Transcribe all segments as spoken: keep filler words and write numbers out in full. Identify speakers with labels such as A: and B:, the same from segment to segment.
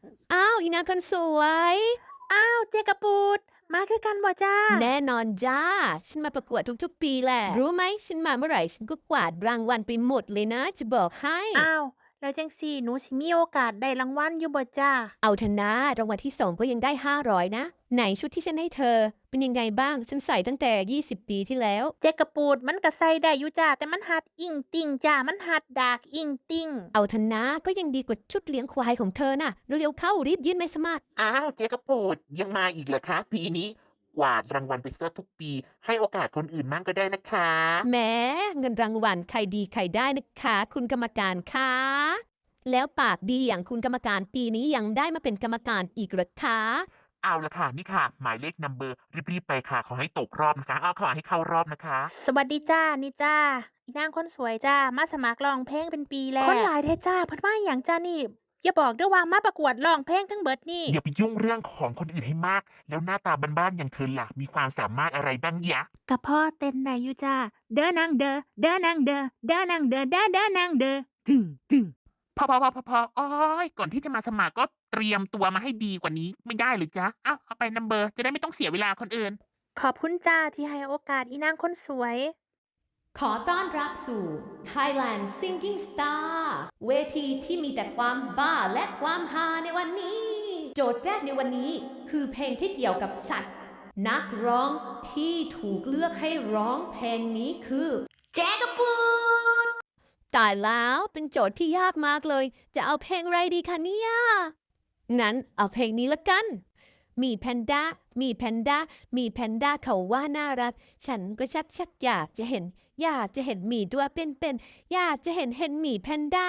A: อ้าวอีนางคนสวย
B: อ้าวเจกระปูดมาคือกันบ่จ้า
A: แน่นอนจ้าฉันมาประกวดทุกๆปีแหละรู้ไหมฉันมาเมื่อไหร่ฉันก็กวาดรางวัลไปหมดเลยนะจะบอกให้
B: อ้าวแล้วจังสี่หนูสิมีโอกาสได้รางวัลอยู่บ่จ้า
A: เอาเถอะนะรางวัลที่สองก็ยังได้ห้าร้อยนะไหนชุดที่ฉันให้เธอเป็นยังไงบ้างฉันใส่ตั้งแต่ยี่สิบปีที่แล้ว
B: เจกระปูดมันก็ใส่ได้อยู่จ้าแต่มันหัดอิงติ่งจ้ามันหัดดากอิงติ่ง
A: เอาเถอะนะก็ยังดีกว่าชุดเลี้ยงควายของเธอน่ะเร็วๆเข้ารีบยื่นใบสมัคร
C: อ้าวเจ๊กระโปดยังมาอีกเหรอคะปีนี้กวาดรางวัลไปเสียทุกปีให้โอกาสคนอื่นมั่งก็ได้นะคะ
A: แหม้เงินรางวัลใครดีใครได้นะคะคุณกรรมการคะแล้วปากดีอย่างคุณกรรมการปีนี้ยังได้มาเป็นกรรมการอีกเหรอคะ
C: เอาละค่ะนี่ค่ะหมายเลขนัมเบอร์รีบๆไปค่ะขอให้ตกรอบนะคะเอาขอให้เข้ารอบนะคะ
B: สวัสดีจ้านี่จ้าอีนางคนสวยจ้ามาสมัครร้องเพลงเป็นปีแล้วคนหลายแท้จ้าเพิ่นมาหยังจ้านี่อย่าบอกเด้อว่ามาประกวดร้องเพลงทั้งเบิดนี่
C: อย่าไปยุ่งเรื่องของคนอื่นให้มากแล้วหน้าตาบ้านๆอย่างเธอล่ะมีความสามารถอะไรบ้างยะ
B: กะพ่อเต้นได้อยู่จ้าเด้อนางเด้อเด้อนางเด้อเด้อนางเด้อเด้อเด้อนางเด้อตึงตึง
C: พอพอพอพอพอโอ๊ยก่อนที่จะมาสมัครก็เตรียมตัวมาให้ดีกว่านี้ไม่ได้หรือจ๊ะเอ้าเอาไปนัมเบอร์จะได้ไม่ต้องเสียเวลาคนอื่น
B: ขอบคุณจ้าที่ให้โอกาสอีนางคนสวย
A: ขอต้อนรับสู่ Thailand Singing Star เวทีที่มีแต่ความบ้าและความฮาในวันนี้ โจทย์แรกในวันนี้คือเพลงที่เกี่ยวกับสัตว์ นักร้องที่ถูกเลือกให้ร้องเพลงนี้คือ
B: แจ๊กะปูด
A: ตายแล้วเป็นโจทย์ที่ยากมากเลย จะเอาเพลงอะไรดีคะเนี่ยงั้นเอาเพลงนี้ละกัน มีแพนด้ามีแพนด้ามีแพนด้าเขาว่าน่ารัก ฉันก็ชักชักอยากจะเห็น อยากจะเห็นหมีตัวเป็นๆอยากจะเห็นเห็นหมีแพนด้า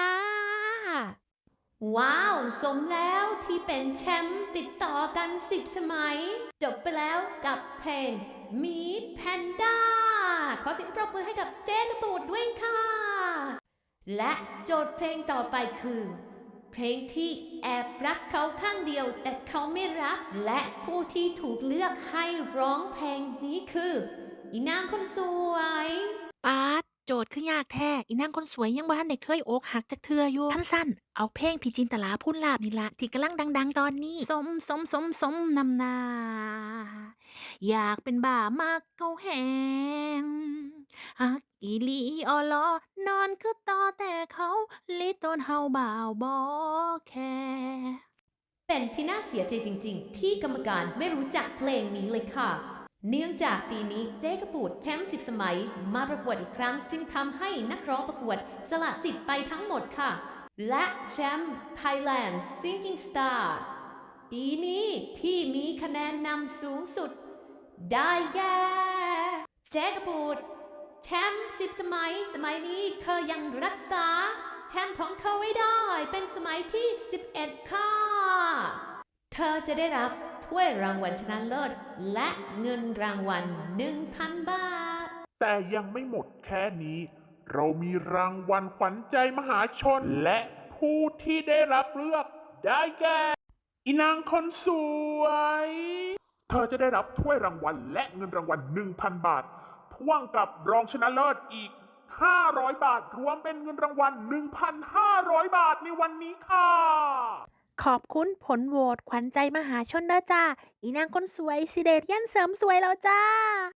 A: ว้าว สมแล้วที่เป็นแชมป์ติดต่อกันสิบสมัย จบไปแล้วกับเพลงหมีแพนด้า ขอเสียงปรบมือให้กับเจ๊กระปูดด้วยค่ะ และโจทย์เพลงต่อไปคือ เพลงที่แอบรักเขาข้างเดียวแต่เขาไม่รัก และผู้ที่ถูกเลือกให้ร้องเพลงนี้คือ อีนางคนสวย
B: ป๊าดโจทย์คือยากแท้อีนางคนสวยยังบ่ทันได้เคยอกหักจักเทื่ออยู่คันซั้นเอาเพลงพี่จินตหราพูนลาภนี่ล่ะที่กำลังดังๆตอนนี้สมสมสมสมนำหน้าอยากเป็นบ้ามักเขาแฮงฮักอีหลีอ้อลอนอนคือต่อแต่เขาลิตนเฮาบ่าวบ่แคร์
A: เป็นที่น่าเสียใจจริงๆที่กรรมการไม่รู้จักเพลงนี้เลยค่ะ เนื่องจากปีนี้เจ๊กระปูดแชมป์สิบสมัยมาประกวดอีกครั้งจึงทำให้นักร้องประกวดสละสิทธิ์ไปทั้งหมดค่ะ และแชมป์ Thailand Singing Star ปีนี้ที่มีคะแนนนำสูงสุด ได้แก่เจ๊กระปูดแชมป์สิบสมัยสมัยนี้เธอยังรักษาแชมป์ของเธอไว้ได้เป็นสมัยที่สิบเอ็ดค่ะเธอจะได้รับถ้วยรางวัลชนะเลิศและเงินรางวัลหนึ่งพันบาท
D: แต่ยังไม่หมดแค่นี้ เรามีรางวัลขวัญใจมหาชน และผู้ที่ได้รับเลือกได้แก่อีนางคนสวย เธอจะได้รับถ้วยรางวัลและเงินรางวัลหนึ่งพันบาทพ่วงกับรองชนะเลิศอีกห้าร้อยบาทรวมเป็นเงินรางวัลหนึ่งพันห้าร้อยบาทในวันนี้ค่ะ
B: ขอบคุณผลโหวตขวัญใจมหาชนเด้อจ้าอีนางคนสวยสิได้เรียนเสริมสวยแล้วจ้า